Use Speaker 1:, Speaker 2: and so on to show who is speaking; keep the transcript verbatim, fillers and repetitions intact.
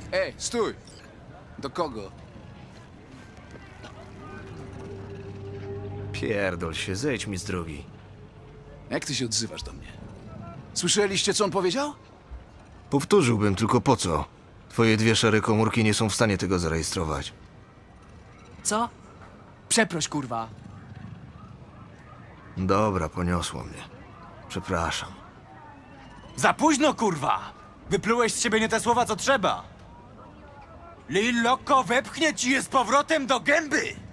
Speaker 1: Ej, stój! Do kogo?
Speaker 2: Pierdol się, zejdź mi z drogi.
Speaker 1: Jak ty się odzywasz do mnie? Słyszeliście, co on powiedział?
Speaker 2: Powtórzyłbym, tylko po co? Twoje dwie szare komórki nie są w stanie tego zarejestrować.
Speaker 3: Co? Przeproś, kurwa.
Speaker 2: Dobra, poniosło mnie. Przepraszam.
Speaker 4: Za późno, kurwa! Wyplułeś z siebie nie te słowa, co trzeba! Lil Loco wepchnie ci je z powrotem do gęby!